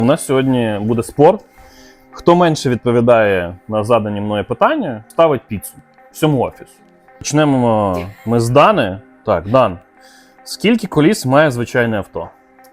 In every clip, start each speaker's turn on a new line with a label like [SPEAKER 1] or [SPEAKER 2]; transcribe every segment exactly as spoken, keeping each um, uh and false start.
[SPEAKER 1] У нас сьогодні буде спор. Хто менше відповідає на задані мною питання, ставить піцу всьому офісу. Почнемо ми з Дани. Так, Дан, скільки коліс має звичайне авто?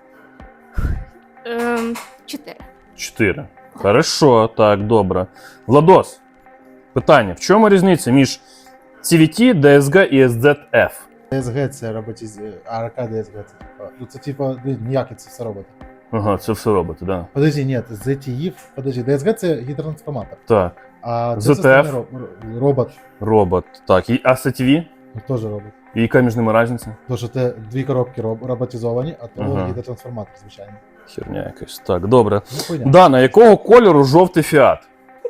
[SPEAKER 2] Ем, чотири.
[SPEAKER 1] Чотири. Хорошо, так, добре. Владос, питання. В чому різниця між сі ві ті, ді ес джі і ес зет еф?
[SPEAKER 3] ді ес джі це роботіз... а ар ка ді ес джі це типа, ну це типа, ніякі це все роботи.
[SPEAKER 1] Ага, це все робите, так. Да.
[SPEAKER 3] Подожди, ні, зет і еф, подожди, ді ес джі це гідротрансформатор.
[SPEAKER 1] Так,
[SPEAKER 3] А це
[SPEAKER 1] зет еф?
[SPEAKER 3] системний ро- робот,
[SPEAKER 1] робот. Так, і ес ті ві?
[SPEAKER 3] ну, теж робот.
[SPEAKER 1] І яка між ними різниця?
[SPEAKER 3] Тому що це дві коробки роб- роботизовані, а то
[SPEAKER 1] Ага.
[SPEAKER 3] гідротрансформатор, звичайно.
[SPEAKER 1] Херня якась. Так, добре.
[SPEAKER 3] Ну, понятно.
[SPEAKER 1] Дана, якого кольору жовтий фіат?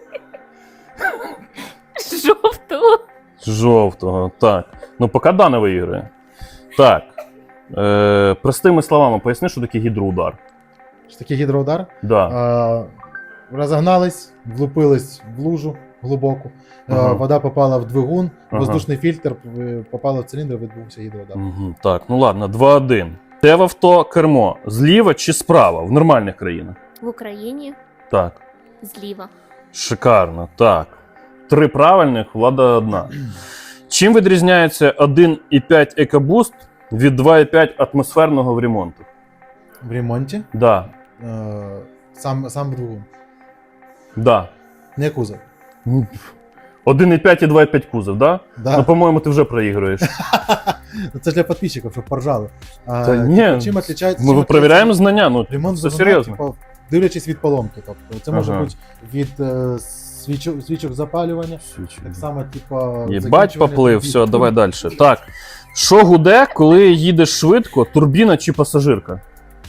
[SPEAKER 2] Жовтого.
[SPEAKER 1] Жовтого, так. Ну, поки Дана виіграє. Так. Е, простими словами, поясни, що таке гідроудар.
[SPEAKER 3] Що таке гідроудар?
[SPEAKER 1] Да.
[SPEAKER 3] А, розогнались, влупились в лужу глибоку,
[SPEAKER 1] Ага.
[SPEAKER 3] а, вода попала в двигун,
[SPEAKER 1] Ага.
[SPEAKER 3] воздушний фільтр е, попала в циліндр, відбувся гідроудар.
[SPEAKER 1] Угу, так, ну ладно, два один. Те в авто кермо зліва чи справа в нормальних країнах?
[SPEAKER 2] В Україні
[SPEAKER 1] Так.
[SPEAKER 2] зліва.
[SPEAKER 1] Шикарно, так. Три правильних, влада одна. Чим відрізняється один і п'ять EcoBoost від два і п'ять атмосферного в ремонту?
[SPEAKER 3] В ремонті
[SPEAKER 1] Да,
[SPEAKER 3] е, сам, сам двигун,
[SPEAKER 1] да.
[SPEAKER 3] не кузов.
[SPEAKER 1] один і п'ять і два і п'ять кузов, да?
[SPEAKER 3] Да.
[SPEAKER 1] Ну, по-моєму, ти вже проігруєш.
[SPEAKER 3] Ну, це ж для підписчиків, щоб поржали. А,
[SPEAKER 1] Та ні,
[SPEAKER 3] типу, чим отличається,
[SPEAKER 1] Ми
[SPEAKER 3] чим
[SPEAKER 1] перевіряємо знання, ну,
[SPEAKER 3] ремонт
[SPEAKER 1] це
[SPEAKER 3] двигуна,
[SPEAKER 1] серйозно.
[SPEAKER 3] типу, дивлячись від поломки. Тобто, це може
[SPEAKER 1] Ага.
[SPEAKER 3] бути від е, свічок, свічок запалювання, так само, типу,
[SPEAKER 1] Єбать
[SPEAKER 3] закінчування
[SPEAKER 1] поплив,
[SPEAKER 3] від-
[SPEAKER 1] все, давай далі. Так, що гуде, коли їдеш швидко, турбіна чи пасажирка?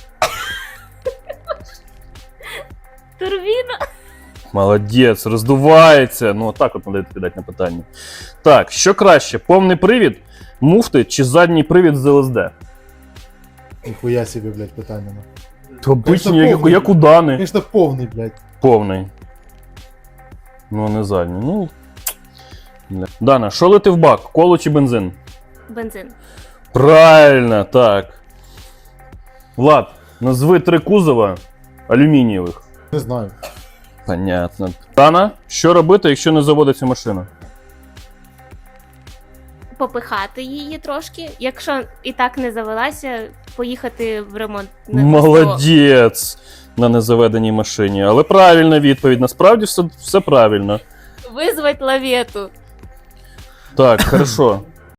[SPEAKER 2] Турбіна.
[SPEAKER 1] Молодець, роздувається. Ну, отак от треба відповідати на питання. Так, що краще, повний привід, муфти чи задній привід з ел ес ді?
[SPEAKER 3] Ніхуя собі, блядь, питання. ну.
[SPEAKER 1] То обичні, як,
[SPEAKER 3] повний.
[SPEAKER 1] як у Дани.
[SPEAKER 3] Звісно, повний, блядь.
[SPEAKER 1] Повний. Ну, не задній. Ну. бля. Дана, що лети в бак? Коло чи бензин?
[SPEAKER 2] Бензин.
[SPEAKER 1] Правильно, так. Влад, назви три кузова алюмінієвих.
[SPEAKER 3] Не знаю.
[SPEAKER 1] Понятно. Дана, що робити, якщо не заводиться машина?
[SPEAKER 2] Попихати її трошки. Якщо і так не завелася, поїхати в ремонт. на
[SPEAKER 1] Молодець на незаведеній машині. Але правильна відповідь. Насправді все, все правильно.
[SPEAKER 2] сто. Визвать лавету.
[SPEAKER 1] Так, хорошо.